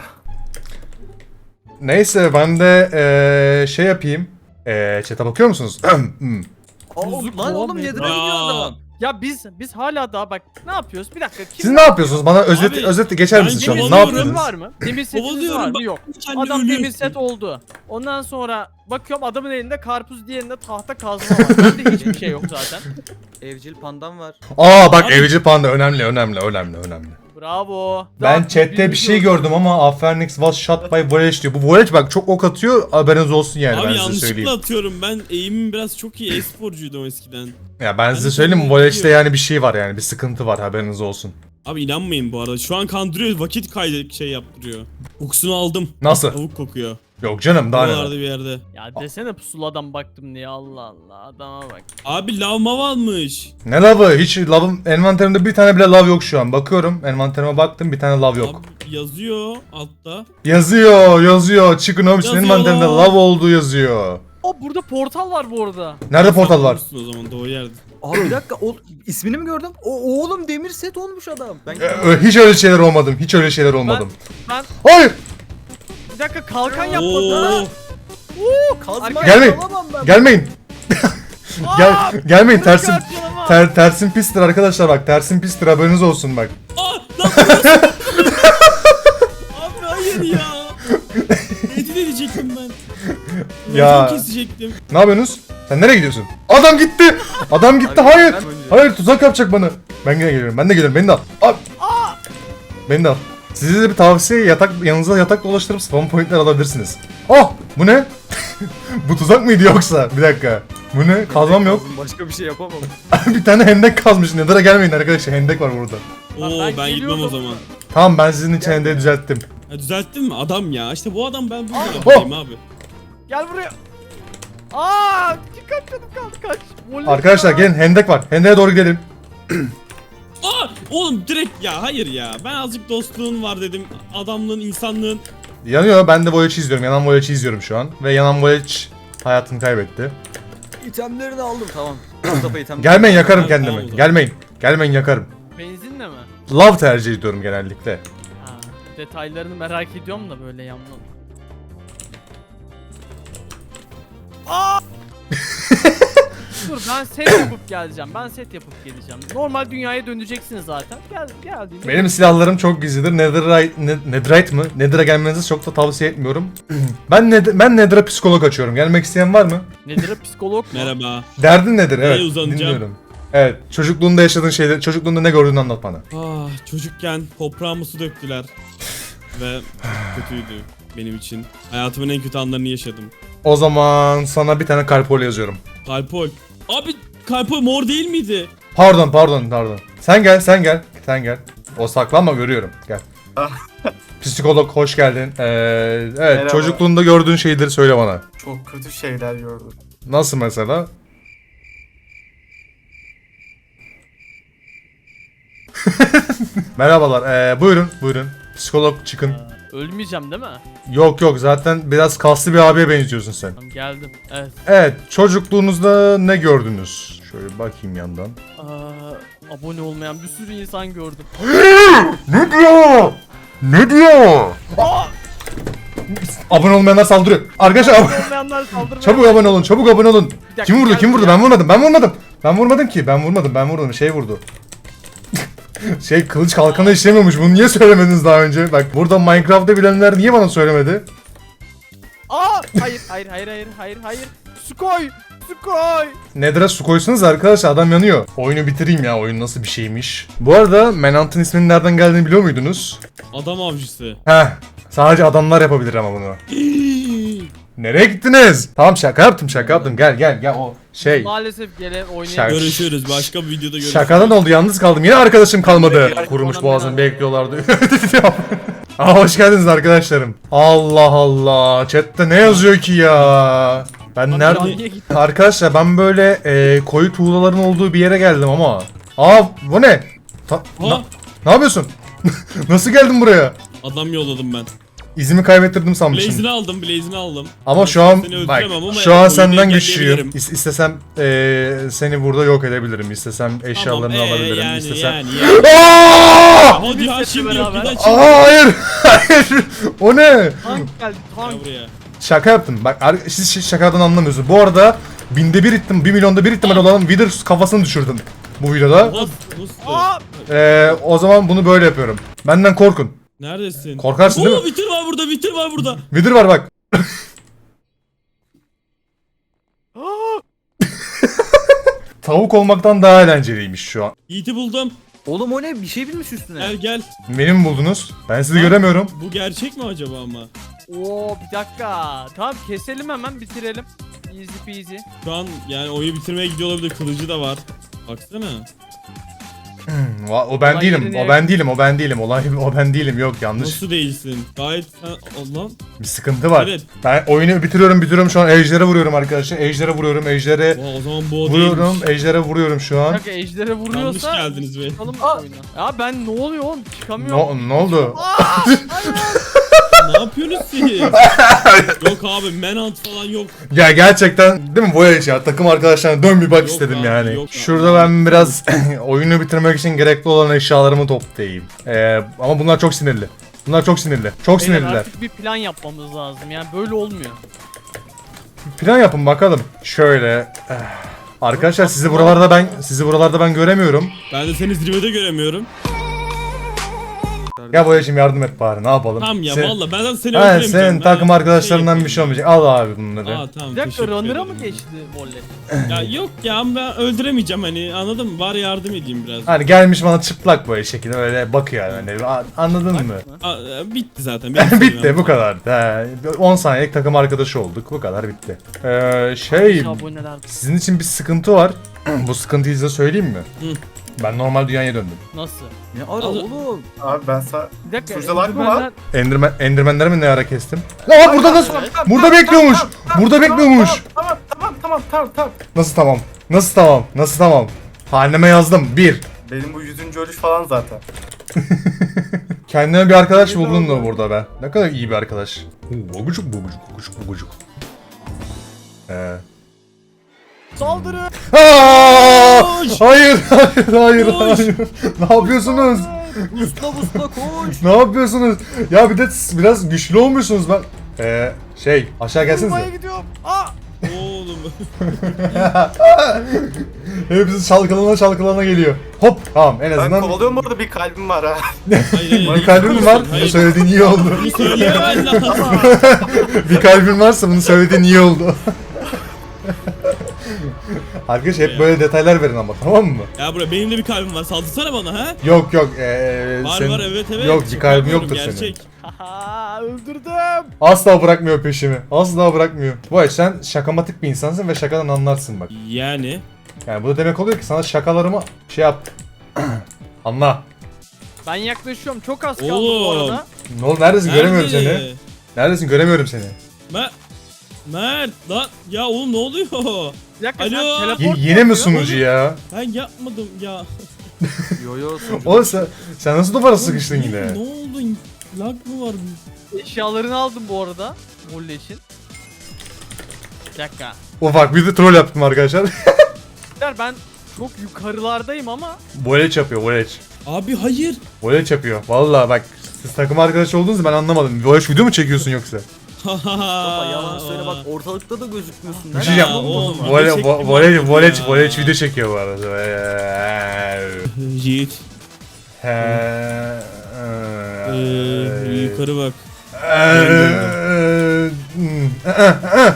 Speaker 1: neyse ben de eee, şey yapayım. Eee chat'e bakıyor musunuz? Hmm.
Speaker 4: Aa,
Speaker 3: Yüzük
Speaker 4: lan oğlum
Speaker 3: kovan
Speaker 4: nedir
Speaker 3: mıydı?
Speaker 4: gidiyor
Speaker 2: Aa.
Speaker 4: adam?
Speaker 3: Ya biz biz hala daha bak ne yapıyoruz? Bir dakika. Kim
Speaker 1: Siz ne yapıyorsunuz? Bana özet
Speaker 2: Abi,
Speaker 1: özet geçer
Speaker 2: ben
Speaker 1: misiniz şu an? Ne
Speaker 2: kovalıyorum.
Speaker 1: yapıyorsunuz?
Speaker 3: var mı? Demir setiniz
Speaker 2: Kovalıyorum,
Speaker 3: var mı?
Speaker 2: bak-
Speaker 3: Yok.
Speaker 2: Kendi
Speaker 3: Adam
Speaker 2: ölüyorsun.
Speaker 3: demir set oldu. Ondan sonra bakıyorum adamın elinde karpuz, diğerinde tahta kazma var. Bende hiçbir şey yok zaten.
Speaker 4: Evcil pandam var.
Speaker 1: Aa bak
Speaker 2: Abi-
Speaker 1: evci panda önemli önemli önemli önemli.
Speaker 3: Bravo.
Speaker 1: Ben
Speaker 3: Daha
Speaker 1: chatte bir
Speaker 3: birbirini
Speaker 1: şey
Speaker 3: gördüm.
Speaker 1: gördüm ama Afernix was shot by Voyage diyor. Bu Voyage bak çok ok atıyor haberiniz olsun yani
Speaker 2: Abi
Speaker 1: ben size
Speaker 2: yanlışlıkla
Speaker 1: söyleyeyim.
Speaker 2: atıyorum. Ben eğimim biraz çok iyi. E-sporcuydum eskiden.
Speaker 1: Ya ben size
Speaker 2: Ben
Speaker 1: söyleyeyim
Speaker 2: sana
Speaker 1: Voyage'de
Speaker 2: diyorum.
Speaker 1: yani bir şey var yani bir sıkıntı var haberiniz olsun.
Speaker 2: Abi inanmayın bu arada. Şu an kandırıyor. Vakit kaydı şey yaptırıyor. Kokusunu aldım.
Speaker 1: Nasıl?
Speaker 2: Tavuk kokuyor.
Speaker 1: Yok canım daha
Speaker 2: Buralarda
Speaker 1: ne?
Speaker 2: bir yerde.
Speaker 3: Ya desene pusuladan baktım diye Allah Allah adama bak.
Speaker 2: Abi lav mav almış.
Speaker 1: Ne lavı? Hiç lavım envanterimde bir tane bile lav yok şu an. Bakıyorum envanterime baktım bir tane lav yok.
Speaker 2: Abi yazıyor altta.
Speaker 1: Yazıyor yazıyor. Chicken Homes'un
Speaker 2: Yazıyor.
Speaker 1: envanterinde lav olduğu yazıyor.
Speaker 3: Aa burada portal var bu arada.
Speaker 1: Nerede portal var?
Speaker 2: Bulmuşsun O zaman doğru yerde.
Speaker 4: Abi bir dakika o, ismini mi gördüm? O oğlum demir set olmuş adam. Ben
Speaker 1: Ee, ö- hiç öyle şeyler olmadım. Hiç öyle şeyler olmadım.
Speaker 3: Ben
Speaker 1: Hayır!
Speaker 3: bir dakika kalkan yapmadı.
Speaker 2: Oo.
Speaker 4: kazma
Speaker 1: Gelmeyin.
Speaker 4: alamam ben.
Speaker 1: Gelmeyin. Gel gelmeyin
Speaker 3: Bunu
Speaker 1: tersin
Speaker 3: karşılamam.
Speaker 1: ter, tersin pistir arkadaşlar bak tersin pistir haberiniz olsun bak.
Speaker 2: Aa lan burası. Abi hayır ya. Edit edecektim ben.
Speaker 1: Ya.
Speaker 2: Ya. Kesecektim.
Speaker 1: Ne yapıyorsunuz? Sen nereye gidiyorsun? Adam gitti. Adam gitti.
Speaker 4: Abi,
Speaker 1: Hayır.
Speaker 4: ben önce-
Speaker 1: Hayır tuzak yapacak bana. Ben yine geliyorum. Ben de geliyorum. Beni de al. Al. Beni de al. Size de bir tavsiye yatak yanınıza yatak dolaştırıp spawn pointler alabilirsiniz. Oh! Bu ne? Bu tuzak mıydı yoksa? Bir dakika. Bu ne? Kazmam yok.
Speaker 4: Başka bir şey yapamam.
Speaker 1: Bir tane hendek kazmış. Nether'a gelmeyin arkadaşlar. Hendek var burada.
Speaker 2: Oo
Speaker 3: ben
Speaker 2: ben, gitmem
Speaker 3: geliyorum.
Speaker 2: o zaman.
Speaker 1: Tamam ben sizin için hendeği düzelttim.
Speaker 2: Ha, düzelttin mi? Adam ya. İşte bu adam ben bu
Speaker 3: Aa.
Speaker 2: adamım abi.
Speaker 3: Gel buraya. Aa, kaç canım kaldı kaç. Voley
Speaker 1: Arkadaşlar
Speaker 3: ya.
Speaker 1: gelin hendek var. Hendeğe doğru gidelim.
Speaker 2: Aa oğlum direkt ya hayır ya. Ben azıcık dostluğun var dedim. Adamlığın, insanlığın.
Speaker 1: Yanıyor. Ben de Voyage'i izliyorum. Yanan Voyage'i izliyorum şu an. Ve yanan Voyage hayatını kaybetti.
Speaker 4: İtemlerini aldım tamam. Mustafa itemlerini.
Speaker 1: Gelmeyin yakarım
Speaker 2: Tamam,
Speaker 1: kendimi.
Speaker 2: tamam.
Speaker 1: Gelmeyin. Gelmeyin yakarım.
Speaker 3: Benzinle mi?
Speaker 1: Love tercih ediyorum genellikle.
Speaker 3: Ha, detaylarını merak ediyorum da böyle yandan. Aa! Dur ben set yapıp geleceğim. Ben set yapıp geleceğim. Normal dünyaya döneceksiniz zaten. Gel geldiğinde.
Speaker 1: Benim silahlarım çok gizlidir. Netherite, ne, Netherite mı? Nether'a gelmenizi çok da tavsiye etmiyorum. ben ne, ben Nether'a psikolog açıyorum. Gelmek isteyen var mı?
Speaker 3: Nedir o, psikolog mu?
Speaker 2: Merhaba.
Speaker 1: Derdin nedir? Evet.
Speaker 2: Neye uzanacağım?
Speaker 1: Dinliyorum. Evet. Çocukluğunda yaşadığın şeyleri, çocukluğunda ne gördüğünü anlat bana.
Speaker 2: Ah çocukken toprağıma su döktüler. Ve çok kötüydü benim için. Hayatımın en kötü anlarını yaşadım.
Speaker 1: O zaman sana bir tane kalpol yazıyorum.
Speaker 2: Kalpol. Abi Kalpol mor değil miydi?
Speaker 1: Pardon, pardon, pardon. Sen gel, sen gel. Sen gel. O saklanma görüyorum. Gel. Psikolog hoş geldin. Ee, evet,
Speaker 5: Merhaba.
Speaker 1: çocukluğunda gördüğün şeyleri söyle bana.
Speaker 5: Çok kötü şeyler gördüm.
Speaker 1: Nasıl mesela? Merhabalar. Ee, buyurun, buyurun. Psikolog çıkın.
Speaker 3: Ölmeyeceğim değil mi?
Speaker 1: Yok yok zaten biraz kaslı bir abiye benziyorsun sen.
Speaker 3: Tamam geldim. Evet.
Speaker 1: Evet, çocukluğunuzda ne gördünüz? Şöyle bakayım yandan.
Speaker 3: Aa, abone olmayan bir sürü insan gördüm.
Speaker 1: Ne diyor? Ne diyor? Abone olmayanlar saldırıyor. Arkadaşlar ab-
Speaker 3: Abone olmayanlar saldırmaya.
Speaker 1: çabuk abone olun, çabuk abone olun.
Speaker 3: dakika,
Speaker 1: Kim vurdu?
Speaker 3: gel
Speaker 1: Kim vurdu?
Speaker 3: buraya.
Speaker 1: Ben vurmadım. Ben vurmadım. Ben vurmadım ki. Ben vurmadım. Ben vurmadım. Şey vurdu. şey kılıç kalkanı işlemiyormuş. Bunu niye söylemediniz daha önce? Bak burada Minecraft'ta bilenler niye bana söylemedi?
Speaker 3: Aa hayır hayır hayır hayır hayır hayır. Su koy. Su koy.
Speaker 1: Nedir'e su koysanız arkadaşlar, adam yanıyor. Oyunu bitireyim ya, oyun nasıl bir şeymiş. Bu arada Manhunt'ın isminin nereden geldiğini biliyor muydunuz?
Speaker 2: Adam avcısı.
Speaker 1: Heh, sadece adamlar yapabilir ama bunu. Nereye gittiniz? Tamam, şaka yaptım şaka yaptım, gel gel gel o şey.
Speaker 3: Maalesef gelen oynayalım.
Speaker 1: Şaka.
Speaker 2: Görüşürüz. Başka bir videoda görüşürüz.
Speaker 1: Şakadan oldu, yalnız kaldım, yine arkadaşım kalmadı.
Speaker 5: Peki,
Speaker 1: Kurumuş
Speaker 3: ona
Speaker 1: boğazını
Speaker 3: ben-
Speaker 1: bekliyorlardı. Aa, hoş geldiniz arkadaşlarım. Allah Allah, chatte ne yazıyor ki ya? Ben
Speaker 3: Lan
Speaker 1: nerede?
Speaker 3: niye gittin?
Speaker 1: Arkadaşlar ben böyle e, koyu tuğlaların olduğu bir yere geldim ama. Aa, bu ne? Ta-
Speaker 2: Ha,
Speaker 1: na- ne yapıyorsun? Nasıl geldin buraya?
Speaker 2: adam yolladım ben.
Speaker 1: İzimi kaybettirdim sanmışım.
Speaker 2: Blaze'ini aldım, Blaze'ini aldım.
Speaker 1: Ama şu an
Speaker 2: Seni
Speaker 1: bak,
Speaker 2: öldüremem ama
Speaker 1: şu an
Speaker 2: oyunu
Speaker 1: senden güçlüyüm.
Speaker 2: engelleyebilirim.
Speaker 1: İs- istesem e, seni burada yok edebilirim. İstesem eşyalarını
Speaker 2: Tamam, ee,
Speaker 1: alabilirim.
Speaker 2: yani,
Speaker 1: İstesem.
Speaker 2: yani, yani.
Speaker 1: Aa!
Speaker 2: Hadi ya şimdi yok, bir
Speaker 3: beraber.
Speaker 2: daha şimdi.
Speaker 1: Aa, hayır. Hayır. O ne?
Speaker 3: Tank geldi
Speaker 2: Gel
Speaker 3: tank.
Speaker 2: buraya.
Speaker 1: Şaka yaptım. Bak ar- siz ş- şakadan anlamıyorsunuz. Bu arada binde bir ihtim, bir milyonda bir ihtimal olan Wither kafasını düşürdüm bu videoda.
Speaker 2: Nasıl? Nasıl?
Speaker 3: Aa
Speaker 1: Ee, o zaman bunu böyle yapıyorum. Benden korkun.
Speaker 2: Neredesin?
Speaker 1: Korkarsın değil
Speaker 2: Oo,
Speaker 1: mi?
Speaker 2: bitir var burada, bitir var burada.
Speaker 1: Wither var bak. Tavuk olmaktan daha eğlenceliymiş şu an.
Speaker 2: Yiğit'i buldum.
Speaker 4: Oğlum o ne? Bir şey bilmiş üstüne.
Speaker 2: Gel gel.
Speaker 1: Beni mi buldunuz? Ben sizi
Speaker 2: Ha?
Speaker 1: göremiyorum.
Speaker 2: Bu gerçek mi acaba ama?
Speaker 3: Oo bir dakika. Tamam keselim hemen bitirelim. Easy peasy.
Speaker 2: Şu an yani oyunu bitirmeye gidiyor olabilir. Kılıcı da var. Baksana.
Speaker 1: Hmm, o o ben
Speaker 3: Olay
Speaker 1: değilim.
Speaker 3: yerine-
Speaker 1: O ben değilim. O ben değilim. Olay o ben değilim. Yok, yanlış.
Speaker 2: Nasıl değilsin? Gayet sen... Allah.
Speaker 1: Bir sıkıntı var.
Speaker 2: Evet.
Speaker 1: Ben oyunu bitiriyorum, bitiriyorum şu an. Ejder'e vuruyorum arkadaşlar. Ejder'e vuruyorum. Ejder'e
Speaker 2: Oha, o zaman bu o
Speaker 1: vuruyorum.
Speaker 2: değilmiş.
Speaker 1: Ejder'e vuruyorum şu
Speaker 3: Bir
Speaker 1: an.
Speaker 3: dakika ejdere
Speaker 2: Yanlış
Speaker 3: vuruyorsa
Speaker 2: geldiniz be.
Speaker 3: çıkalım oyuna. Ya ben ne oluyor oğlum çıkamıyorum.
Speaker 1: Ne, ne oldu?
Speaker 2: Ne yapıyorsunuz siz? Yok abi, Manhunt falan yok.
Speaker 1: Ya gerçekten değil mi Voyage ya? Takım arkadaşlarına dön bir bak
Speaker 2: Yok
Speaker 1: istedim
Speaker 2: abi,
Speaker 1: yani.
Speaker 2: yok abi.
Speaker 1: Şurada ben biraz oyunu bitirmek için gerekli olan eşyalarımı toplayayım. Ee, ama bunlar çok sinirli. Bunlar çok sinirli. Çok
Speaker 3: Beyler,
Speaker 1: sinirliler.
Speaker 3: artık bir plan yapmamız lazım yani böyle olmuyor.
Speaker 1: Plan yapın bakalım. Şöyle. eh, Arkadaşlar sizi buralarda ben sizi buralarda ben göremiyorum.
Speaker 2: Ben de seni zirvede göremiyorum.
Speaker 1: Ya Voyage'im yardım et bari, ne yapalım?
Speaker 2: Tamam ya
Speaker 1: Sen-
Speaker 2: valla ben de seni
Speaker 1: Ha,
Speaker 2: öldüremeyeceğim.
Speaker 1: senin
Speaker 2: Ben
Speaker 1: takım
Speaker 2: şey
Speaker 1: arkadaşlarından bir şey
Speaker 2: yapayım.
Speaker 1: olmayacak. Al abi bunları.
Speaker 2: Aa tamam,
Speaker 3: Bir dakika
Speaker 2: teşekkür
Speaker 3: runner'a mı
Speaker 2: ederim.
Speaker 3: geçti volley?
Speaker 2: Ya yok ya, ben öldüremeyeceğim hani, anladın mı? Bari yardım edeyim biraz.
Speaker 1: Hani gelmiş bana çıplak böyle şekilde öyle bakıyor yani. A- Anladın mı?
Speaker 2: Aa, e, bitti zaten. benim
Speaker 1: Bitti,
Speaker 2: sevmem.
Speaker 1: bu kadar. He, on saniyelik takım arkadaşı olduk. Bu kadar, bitti. Ee, şey,
Speaker 3: Aboneler
Speaker 1: sizin için bir sıkıntı var. Bu sıkıntıyı size söyleyeyim mi?
Speaker 2: Hı.
Speaker 1: Ben normal dünyaya döndüm.
Speaker 3: nasıl?
Speaker 4: Ne ara
Speaker 2: Al-
Speaker 4: oğlum?
Speaker 5: Abi ben sa...
Speaker 3: Bir dakika.
Speaker 5: Şurada lag mı var?
Speaker 3: Enderman'ler-
Speaker 1: Enderman, Enderman'leri mi ne ara kestim? Aa, burada nasıl? Burada bekliyormuş. Burada bekliyormuş.
Speaker 5: Tamam tamam tamam tamam tamam.
Speaker 1: Nasıl tamam? Nasıl tamam? Nasıl tamam? Haneme yazdım. Bir.
Speaker 5: Benim bu yüzüncü ölüş falan zaten.
Speaker 1: Kendime bir arkadaş buldum da burada be. Ne kadar iyi bir arkadaş. Oo, Bogucuk bogucuk bogucuk bogucuk. Ee.
Speaker 3: Saldırı.
Speaker 1: Aa!
Speaker 2: Koş!
Speaker 1: Hayır, hayır, hayır,
Speaker 2: Koş!
Speaker 1: hayır. Ne yapıyorsunuz?
Speaker 4: Usta usta koş.
Speaker 1: Ne yapıyorsunuz? Ya bir de s- biraz güçlü olmuşsunuz ben. Ee, şey, aşağı
Speaker 3: Vurmaya
Speaker 1: gelsenize.
Speaker 3: gidiyorum. Aa!
Speaker 2: Oğlum.
Speaker 1: Hepsi çalkalana çalkalana geliyor. Hop, tamam en
Speaker 5: Ben
Speaker 1: azından
Speaker 5: kovalıyorum orada, bir kalbim var ha.
Speaker 2: Hayır, hayır.
Speaker 1: bir kalbin mi var? Bunu
Speaker 2: Hayır.
Speaker 1: söylediğin iyi oldu.
Speaker 2: Bunu söyleyemen lazım.
Speaker 1: Bir kalbin varsa bunu söylediğin iyi oldu. Arkadaş hep böyle detaylar verin ama, tamam mı?
Speaker 2: Ya buraya benim de bir kalbim var. Saldırsana bana ha.
Speaker 1: Yok yok. Ee,
Speaker 2: Var
Speaker 1: senin-
Speaker 2: var, evet evet.
Speaker 1: Yok, bir
Speaker 2: Şaka
Speaker 1: kalbin
Speaker 2: yapıyorum,
Speaker 1: yoktur senin.
Speaker 2: gerçek.
Speaker 3: Haha öldürdüm.
Speaker 1: Asla bırakmıyor peşimi. Asla bırakmıyor. Bu ay sen şakamatik bir insansın ve şakadan anlarsın bak.
Speaker 2: Yani.
Speaker 1: Yani bu da demek oluyor ki sana şakalarımı şey yap. Anla.
Speaker 3: Ben yaklaşıyorum. Çok az kaldı bu
Speaker 2: Oğlum.
Speaker 3: arada.
Speaker 1: Ne oldu? Neredesin? Göremiyorum
Speaker 2: Nerede?
Speaker 1: seni. Neredesin? Göremiyorum seni.
Speaker 2: Mert. Mert lan. Ya oğlum ne oluyor?
Speaker 3: Bir dakika
Speaker 2: Alo.
Speaker 3: sen teleport
Speaker 1: Y-
Speaker 3: mu
Speaker 1: yine mi
Speaker 3: yapıyorsun?
Speaker 1: sunucu ya?
Speaker 2: Ben yapmadım ya.
Speaker 4: Yo yo sunucu.
Speaker 1: Oğlum sen, sen nasıl duvara
Speaker 2: Oğlum,
Speaker 1: sıkıştın
Speaker 2: ne-
Speaker 1: yine?
Speaker 2: Ne oldu? Lag mı var?
Speaker 3: Eşyalarını aldım bu arada. Volley için. Bir dakika.
Speaker 1: Ufak bir de troll yaptım arkadaşlar.
Speaker 3: Beyler, ben çok yukarılardayım ama
Speaker 1: Voleç yapıyor, voleç.
Speaker 2: Abi hayır.
Speaker 1: Voleç yapıyor. Vallahi bak, siz takım arkadaşı olduğunuzu ben anlamadım. Voleç video mu çekiyorsun yoksa?
Speaker 4: Baba yalan söyle bak, ortalıkta da gözükmüyorsun.
Speaker 1: Bir şey
Speaker 2: Ya
Speaker 1: yap.
Speaker 2: oğlum,
Speaker 1: Vole,
Speaker 2: video çektim
Speaker 1: vo- voleç,
Speaker 2: artık
Speaker 1: voleç,
Speaker 2: ya.
Speaker 1: voleç video çekiyor bu arada.
Speaker 2: Yiğit.
Speaker 1: He,
Speaker 2: Ee, yukarı bak.
Speaker 1: Eee, Hmm, ı, ı, ı.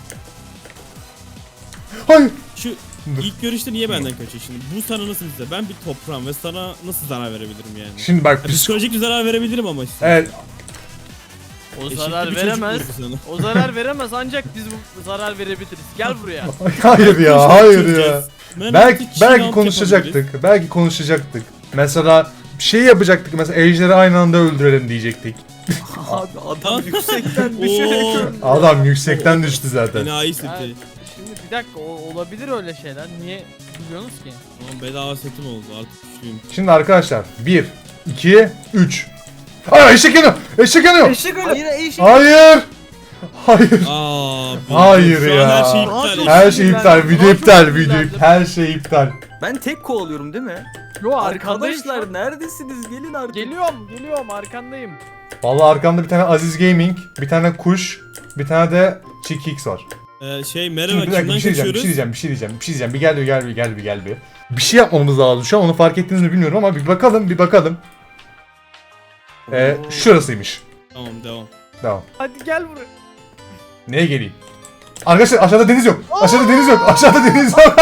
Speaker 1: Hayır.
Speaker 2: Şu ilk görüşte niye benden kaçıyor şimdi? Bu sana nasıl bize? Ben bir toprağım ve sana nasıl zarar verebilirim yani?
Speaker 1: Şimdi bak
Speaker 2: Ya,
Speaker 1: psiko...
Speaker 2: psikolojik bir zarar verebilirim ama işte.
Speaker 1: Evet.
Speaker 3: O
Speaker 2: Eşitli
Speaker 3: zarar
Speaker 2: bir çocuk
Speaker 3: veremez.
Speaker 2: bu sana.
Speaker 3: O zarar veremez ancak biz bu zarar verebiliriz. Gel buraya.
Speaker 1: Hayır ya, hayır ya.
Speaker 2: Ben
Speaker 1: Belki
Speaker 2: artık
Speaker 1: belki
Speaker 2: chill out
Speaker 1: konuşacaktık. Belki konuşacaktık. Mesela bir şey yapacaktık. Mesela ejderi aynı anda öldürelim diyecektik.
Speaker 4: Abi adam yüksekten
Speaker 2: yapabiliriz.
Speaker 4: düşerek
Speaker 2: Oo.
Speaker 4: öldü.
Speaker 1: Adam yüksekten düştü zaten.
Speaker 2: Enayi
Speaker 3: Yani,
Speaker 2: seti.
Speaker 3: şimdi bir dakika o, olabilir öyle şeyler. Niye biliyorsunuz ki?
Speaker 2: Tamam, bedava setim oldu artık güçlüyüm.
Speaker 1: Şimdi arkadaşlar bir, iki, üç. Aa eşek yanıyor. Eşek yanıyor.
Speaker 5: Eşek öyle.
Speaker 4: Hayır eşek.
Speaker 1: Hayır. Hayır.
Speaker 2: Aa,
Speaker 1: Hayır
Speaker 2: şu an
Speaker 1: ya.
Speaker 2: her şey iptal.
Speaker 3: Çok
Speaker 1: Her şey
Speaker 3: sinirlendim.
Speaker 1: iptal.
Speaker 3: Daha
Speaker 1: Video
Speaker 3: çok
Speaker 1: iptal. Video
Speaker 3: sinirlendim.
Speaker 1: her şey iptal.
Speaker 4: Ben tek kovalıyorum değil mi?
Speaker 3: Yo arkandayım.
Speaker 4: Arkadaşlar neredesiniz? Gelin artık.
Speaker 3: Geliyorum geliyorum arkandayım.
Speaker 1: Vallahi arkamda bir tane Aziz Gaming, bir tane Kuş, bir tane de Chick X var.
Speaker 2: Ee, şey
Speaker 1: Şimdi
Speaker 2: merhaba
Speaker 1: bir dakika
Speaker 2: kimden
Speaker 1: bir şey diyeceğim, bir
Speaker 2: kaçıyoruz?
Speaker 1: şey diyeceğim, bir şey diyeceğim, bir şey diyeceğim. Bir gel bir gel bir gel bir gel bir. Bir şey yapmamız lazım şu an, onu fark ettiniz mi bilmiyorum ama bir bakalım bir bakalım. Ee,
Speaker 4: Oo.
Speaker 1: şurasıymış.
Speaker 2: Tamam devam.
Speaker 1: Tamam.
Speaker 3: Hadi gel buraya.
Speaker 1: Neye geleyim? Arkadaşlar aşağıda deniz yok. Aşağıda deniz yok. Aşağıda deniz yok.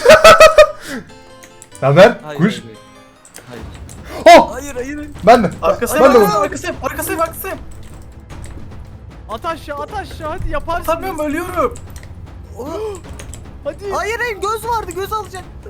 Speaker 1: Haber?
Speaker 4: Hayır,
Speaker 1: Kuş.
Speaker 4: hayır, hayır.
Speaker 1: Oh!
Speaker 4: Hayır hayır. hayır.
Speaker 1: Ben de.
Speaker 5: Arkasıyım,
Speaker 1: Ben de.
Speaker 5: arkasıyım, arkasıyım, arkasıyım, arkasıyım.
Speaker 3: At aşağı at aşağı hadi yaparsın.
Speaker 5: Atamıyorum, ölüyorum.
Speaker 3: Hadi.
Speaker 4: Hayır hayır göz vardı göz alacaktım.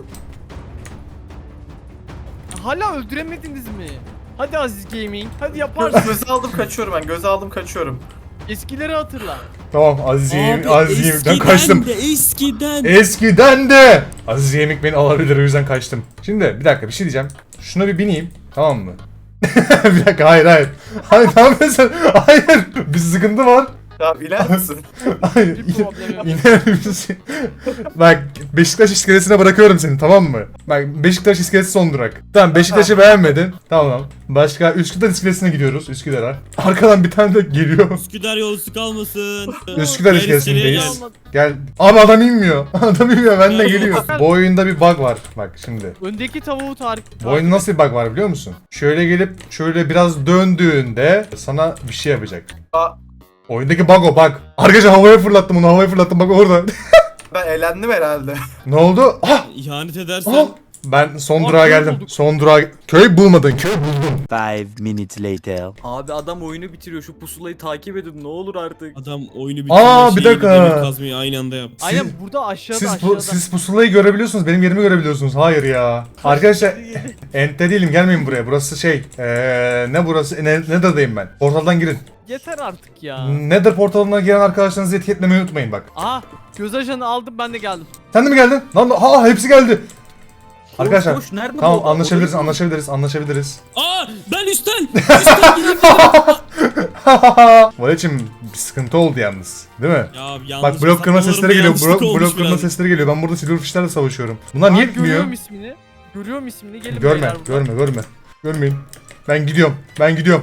Speaker 3: Hala öldüremediniz mi? Hadi Aziz Gaming. Hadi yaparsın.
Speaker 5: Göze aldım, kaçıyorum ben. Göze aldım, kaçıyorum.
Speaker 3: Eskileri hatırla.
Speaker 1: Tamam Aziz Yemek, Aziz Yemek'ten
Speaker 2: eskiden
Speaker 1: kaçtım.
Speaker 2: de eskiden.
Speaker 1: Eskiden de Aziz Yemek beni alabilir o yüzden kaçtım. Şimdi bir dakika bir şey diyeceğim. Şuna bir bineyim tamam mı? Bir dakika hayır hayır. Hayır ne yapıyorsun? Hayır. Bir sıkıntı var.
Speaker 5: Tamam, iner misin?
Speaker 1: Hayır.
Speaker 3: Bir problem yok.
Speaker 1: İner misin? Bak Beşiktaş iskelesine bırakıyorum seni tamam mı? Bak Beşiktaş iskelesi son durak. Tamam Beşiktaş'ı beğenmedin. Tamam. Başka Üsküdar iskelesine gidiyoruz Üsküdar'a. Arkadan bir tane de geliyor.
Speaker 2: Üsküdar yolcusu kalmasın.
Speaker 1: Üsküdar
Speaker 2: Gel
Speaker 1: iskelesindeyiz.
Speaker 2: iskeleye
Speaker 1: Gel. Abi adam inmiyor. Adam inmiyor. Ben de geliyor. Bu oyunda bir bug var. Bak şimdi.
Speaker 3: Öndeki tavuğu tarif.
Speaker 1: Bu oyunda nasıl bir bug var biliyor musun? Şöyle gelip şöyle biraz döndüğünde sana bir şey yapacak.
Speaker 5: Aa,
Speaker 1: Oyundaki bug o bug. Arkadaşlar havaya fırlattım onu havaya fırlattım bak orada.
Speaker 5: ben eğlendim herhalde.
Speaker 1: Ne oldu? Ah!
Speaker 2: İhanet edersen
Speaker 1: Ah! Ben son
Speaker 3: Aa,
Speaker 1: durağa
Speaker 3: köy
Speaker 1: geldim.
Speaker 3: bulduk.
Speaker 1: Son durağa... Köy bulmadın. Köy buldum.
Speaker 6: Five minutes later.
Speaker 4: Abi adam oyunu bitiriyor şu pusulayı takip edin ne olur artık.
Speaker 2: adam oyunu
Speaker 1: Aa,
Speaker 2: bitirme
Speaker 1: bir
Speaker 2: şeyi
Speaker 1: dakika.
Speaker 2: demir kazmayı aynı anda yap.
Speaker 3: Aynen
Speaker 1: Siz-
Speaker 3: burada aşağıda
Speaker 1: Siz,
Speaker 3: aşağıda.
Speaker 1: bu, siz pusulayı görebiliyorsunuz. Benim yerimi görebiliyorsunuz. Hayır ya. Arkadaşlar ente değilim. Gelmeyin buraya. Burası şey. Ee, ne burası? Ne, Nether'dayım ben. Portaldan girin.
Speaker 3: Yeter artık ya.
Speaker 1: Nether portalına giren arkadaşlarınızı etiketlemeyi unutmayın bak.
Speaker 3: Aha göz ajanı aldım ben de geldim.
Speaker 1: Sen de mi geldin? Lan ha hepsi geldi. Arkadaşlar
Speaker 4: Koş, nerede
Speaker 1: tamam
Speaker 4: bu?
Speaker 1: anlaşabiliriz
Speaker 4: Orayı-
Speaker 1: anlaşabiliriz anlaşabiliriz.
Speaker 2: Aa ben üstten. Üstten gidebilirim.
Speaker 1: Valeçim bir sıkıntı oldu yalnız. Değil mi?
Speaker 2: Ya yanlış
Speaker 1: Bak blok kırma
Speaker 2: hesaplamalarımda
Speaker 1: sesleri geliyor.
Speaker 2: yanlışlık
Speaker 1: Blok,
Speaker 2: olmuş
Speaker 1: blok kırma
Speaker 2: biraz.
Speaker 1: sesleri geliyor. Ben burada silverfishlerle savaşıyorum. Bunlar niye
Speaker 3: Aa,
Speaker 1: gitmiyor?
Speaker 3: Görüyorum ismini. Görüyorum ismini. Gelin
Speaker 1: Görme,
Speaker 3: beyler buradan.
Speaker 1: görme, görme. Görmeyin. Ben gidiyorum. Ben gidiyorum.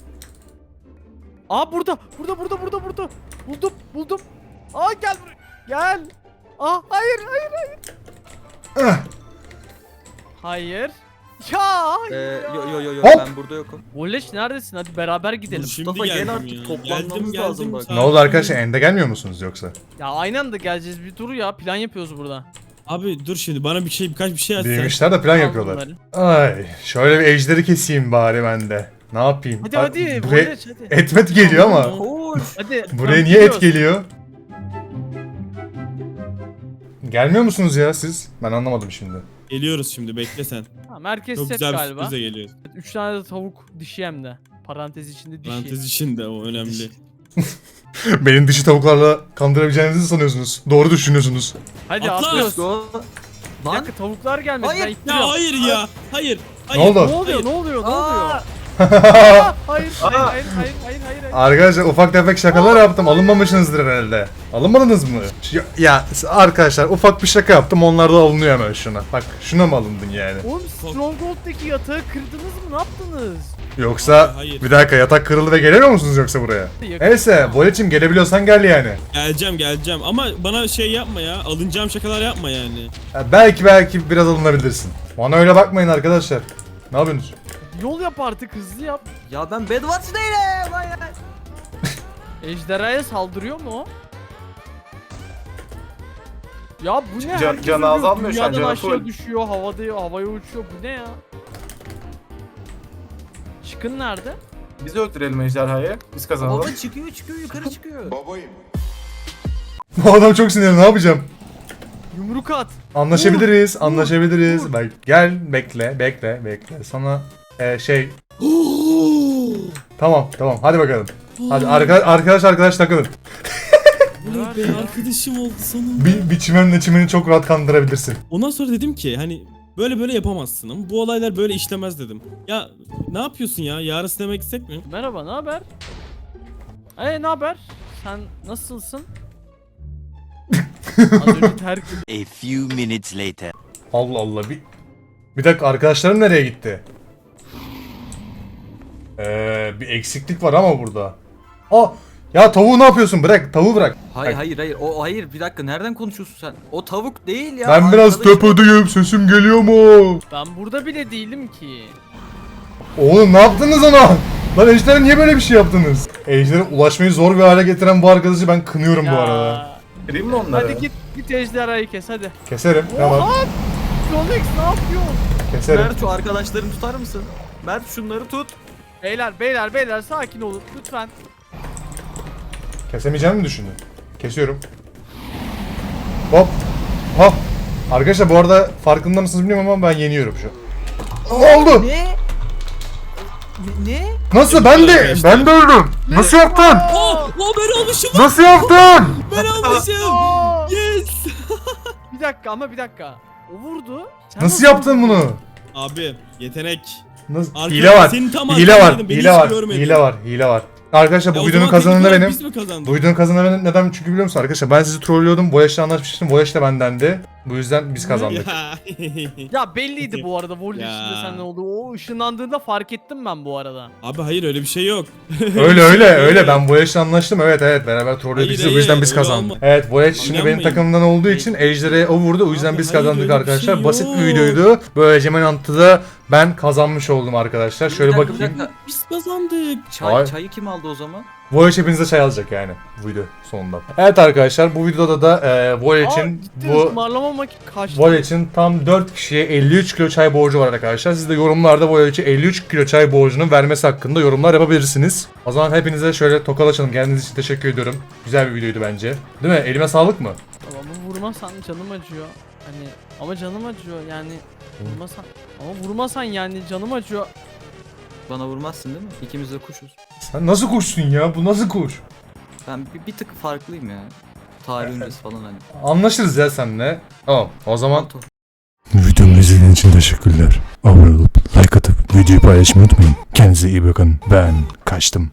Speaker 3: Aa burada. Burada burada burada burada. Buldum buldum. Aa gel buraya. Gel. Aa hayır hayır hayır.
Speaker 1: Ah,
Speaker 3: Hayır. Ya hayır
Speaker 4: Ee,
Speaker 3: ya.
Speaker 4: yo yo yo yo
Speaker 1: Hop.
Speaker 4: ben burada yokum.
Speaker 3: Voleş neredesin? Hadi beraber gidelim.
Speaker 2: Şimdi
Speaker 4: Mustafa, gel
Speaker 2: geldim
Speaker 4: artık,
Speaker 2: ya.
Speaker 4: toplanmamız
Speaker 2: Geldim,
Speaker 4: lazım
Speaker 2: geldim,
Speaker 4: bak.
Speaker 2: sakin
Speaker 1: ne oldu
Speaker 2: ol.
Speaker 1: arkadaşlar? Ende gelmiyor musunuz yoksa?
Speaker 3: Ya aynı anda geleceğiz. Bir dur ya. Plan yapıyoruz burada.
Speaker 2: Abi dur şimdi bana bir şey birkaç bir şey açsan.
Speaker 1: Değmişler de plan
Speaker 3: Al
Speaker 1: yapıyorlar.
Speaker 3: bunları.
Speaker 1: Ay, şöyle bir ejderi keseyim bari ben de. Ne yapayım?
Speaker 3: Hadi
Speaker 1: Ay,
Speaker 3: hadi.
Speaker 1: Buraya
Speaker 3: Voleş hadi.
Speaker 1: et met geliyor ama.
Speaker 4: Koş.
Speaker 3: Hadi.
Speaker 1: Buraya
Speaker 3: tamam,
Speaker 1: niye et
Speaker 3: gidiyoruz.
Speaker 1: geliyor? Gelmiyor musunuz ya siz? Ben anlamadım şimdi.
Speaker 2: Geliyoruz şimdi bekle sen.
Speaker 3: Tamam herkes
Speaker 2: Çok
Speaker 3: set
Speaker 2: güzel bir
Speaker 3: galiba.
Speaker 2: sürprize geliyoruz.
Speaker 3: Üç tane de tavuk dişi hem de. Parantez içinde dişi.
Speaker 2: Parantez içinde o önemli.
Speaker 1: Beni dişi tavuklarla kandırabileceğinizi sanıyorsunuz. Doğru düşünüyorsunuz.
Speaker 3: Hadi
Speaker 2: Atla.
Speaker 3: atlıyoruz.
Speaker 4: Go.
Speaker 3: Bir
Speaker 4: Lan.
Speaker 3: dakika tavuklar gelmedi.
Speaker 4: Hayır.
Speaker 3: Ben
Speaker 2: Ya
Speaker 3: ittiriyorum.
Speaker 2: hayır ya. Hayır.
Speaker 1: Ne
Speaker 2: Hayır.
Speaker 1: oldu?
Speaker 3: Ne oluyor?
Speaker 2: Hayır.
Speaker 3: Ne oluyor? Ne oluyor?
Speaker 4: Aa.
Speaker 3: Aa, hayır, hayır, hayır, hayır, hayır, hayır, hayır.
Speaker 1: Arkadaşlar ufak tefek şakalar yaptım. Alınmamışsınızdır herhalde. Alınmadınız mı? Ya, ya arkadaşlar ufak bir şaka yaptım. Onlar da alınıyor hemen şuna. Bak şuna mı alındın yani?
Speaker 3: Oğlum Stronghold'daki yatağı kırdınız mı? Ne yaptınız?
Speaker 1: Yoksa
Speaker 2: Hayır, hayır.
Speaker 1: bir dakika yatak kırıldı ve gelemiyor musunuz yoksa buraya?
Speaker 3: Yakın.
Speaker 1: Neyse Voleç'im gelebiliyorsan gel yani.
Speaker 2: Geleceğim geleceğim ama bana şey yapma ya. Alınacağım şakalar yapma yani.
Speaker 1: Ya belki belki biraz alınabilirsin. Bana öyle bakmayın arkadaşlar. Ne yapıyorsunuz?
Speaker 3: Yol yap artık hızlı yap.
Speaker 4: Ya ben Bedwars değilim. Hayır.
Speaker 3: Ejderhaya saldırıyor mu o? Ya bu ne?
Speaker 5: Can-
Speaker 3: Herkes
Speaker 5: canı
Speaker 3: ölüyor.
Speaker 5: azalmıyor şu an,
Speaker 3: Dünyadan
Speaker 5: canı
Speaker 3: aşağı
Speaker 5: full.
Speaker 3: düşüyor, havada havaya uçuyor. Bu ne ya? Çıkın nerede?
Speaker 5: Biz öldürelim ejderhayı. Biz kazanalım.
Speaker 4: Baba çıkıyor çıkıyor yukarı çıkıyor.
Speaker 1: Bu adam çok sinirli, ne yapacağım?
Speaker 3: Yumruk at.
Speaker 1: Anlaşabiliriz, anlaşabiliriz. Bak gel, bekle, bekle, bekle. Sana e, şey... Tamam, tamam. Hadi bakalım. Hadi arka, arkadaş arkadaş takılın.
Speaker 2: Oley be, arkadaşım oldu sonunda.
Speaker 1: Bir, bir çimenle çimeni çok rahat kandırabilirsin.
Speaker 2: Ondan sonra dedim ki hani böyle böyle yapamazsın ama bu olaylar böyle işlemez dedim. Ya ne yapıyorsun ya? Yarın sinemaya gitsek mi?
Speaker 3: Merhaba, ne haber? Hey, ne haber? Sen nasılsın? Az önce terk
Speaker 6: A few minutes later.
Speaker 1: Allah Allah. Bir, bir dakika, arkadaşlarım nereye gitti? Ee, bir eksiklik var ama burada. Aa, ya tavuğu ne yapıyorsun? Bırak, tavuğu bırak.
Speaker 4: Hayır
Speaker 1: Bak,
Speaker 4: hayır hayır. O hayır bir dakika nereden konuşuyorsun sen? O tavuk değil ya.
Speaker 1: ben biraz
Speaker 4: arkadaşım.
Speaker 1: tepedeyim, sesim geliyor mu?
Speaker 3: Ben burada bile değilim ki.
Speaker 1: Oğlum ne yaptınız ona? Lan Ejder'e niye böyle bir şey yaptınız? Ejder'e ulaşmayı zor bir hale getiren bu arkadaşı ben kınıyorum bu arada.
Speaker 5: Kırayım mı onları?
Speaker 3: Hadi git git ejderhayı kes hadi.
Speaker 1: Keserim, tamam.
Speaker 3: Oha! Tronex ne yapıyorsun?
Speaker 1: Keserim.
Speaker 4: Mert şu arkadaşlarını tutar mısın? Mert şunları tut.
Speaker 3: Beyler beyler beyler sakin olun lütfen.
Speaker 1: Kesemeyeceğimi mi düşündün? Kesiyorum. Hop. Hop. Arkadaşlar bu arada farkında mısınız bilmiyorum ama ben yeniyorum şu. Ne oldu?
Speaker 4: Ne? Ne? ne?
Speaker 1: Nasıl? Ben de ben de öldüm. Nasıl yaptın?
Speaker 2: Oh, oh ben olmuşum.
Speaker 1: Nasıl yaptın?
Speaker 2: Ben olmuşum.
Speaker 3: Aa!
Speaker 2: Yes.
Speaker 3: Bir dakika ama bir dakika. O vurdu. Sen
Speaker 1: Nasıl yaptın bunu?
Speaker 2: Abi yetenek.
Speaker 1: Nasıl?
Speaker 2: Arkadaş,
Speaker 1: Hile var.
Speaker 2: senin tam
Speaker 1: Hile var.
Speaker 2: arkandaydım, beni
Speaker 1: Hile
Speaker 2: hiç
Speaker 1: var.
Speaker 2: görmedin.
Speaker 1: Hile var. Hile var. Arkadaşlar
Speaker 2: Ya
Speaker 1: bu
Speaker 2: o
Speaker 1: videonun
Speaker 2: zaman
Speaker 1: kazananı
Speaker 2: teknik olarak
Speaker 1: benim.
Speaker 2: Biz mi kazandık?
Speaker 1: Bu videonun kazananı neden çünkü biliyor musun arkadaşlar? Ben sizi trollüyordum. Voyage'le anlaşmıştım. Voyage de bendendi. Bu yüzden biz kazandık.
Speaker 2: Ya.
Speaker 3: Ya belliydi bu arada Vol
Speaker 2: Ya.
Speaker 3: içinde senden oldu. O ışınlandığında fark ettim ben bu arada.
Speaker 2: Abi hayır öyle bir şey yok.
Speaker 1: Öyle öyle öyle ben Voyage'le anlaştım. Evet evet beraber trollüyorduk.
Speaker 2: Hayır,
Speaker 1: Biz de, bu
Speaker 2: hayır,
Speaker 1: yüzden biz
Speaker 2: öyle
Speaker 1: kazandık.
Speaker 2: olma-
Speaker 1: Evet Voyage şimdi benim
Speaker 2: Anlamayın.
Speaker 1: takımımdan olduğu için Ejder'e o vurdu. O yüzden
Speaker 2: Abi,
Speaker 1: biz
Speaker 2: hayır,
Speaker 1: kazandık
Speaker 2: öyle bir
Speaker 1: arkadaşlar.
Speaker 2: şey
Speaker 1: Basit bir
Speaker 2: yok.
Speaker 1: videoydu. Böylece Manhunt'da ben kazanmış oldum arkadaşlar. Şöyle
Speaker 4: Bir dakika, bir
Speaker 1: bakayım.
Speaker 4: dakika.
Speaker 2: Biz kazandık.
Speaker 4: Çay,
Speaker 1: Hayır.
Speaker 4: çayı kim aldı o zaman?
Speaker 1: Voyage hepinize çay alacak yani bu video sonunda. Evet arkadaşlar bu videoda da e, Voyage'in
Speaker 3: ciddi
Speaker 1: bu
Speaker 3: ısmarlamamak kaçtı.
Speaker 1: Voyage'in tam dört kişiye elli üç kilo çay borcu var arkadaşlar. Siz de yorumlarda Voyage'e elli üç kilo çay borcunun vermesi hakkında yorumlar yapabilirsiniz. O zaman hepinize şöyle tokalaşalım. Geldiğiniz için teşekkür ediyorum. Güzel bir videoydu bence. Değil mi? Elime sağlık mı?
Speaker 3: Ama vurmasan canım acıyor. Hani ama canım acıyor yani. Vurmasan ama vurmasan yani canım acıyor.
Speaker 4: Bana vurmazsın değil mi? İkimiz de kuşuz.
Speaker 1: Sen nasıl kuşsun ya? Bu nasıl kuş?
Speaker 4: Ben bir, bir tık farklıyım ya. Tarih öncesi falan hani.
Speaker 1: Anlaşırız ya seninle. Tamam. O zaman
Speaker 4: Manto.
Speaker 1: videomu izlediğiniz için teşekkürler. Abone olup like atıp videoyu paylaşmayı unutmayın. Kendinize iyi bakın. Ben kaçtım.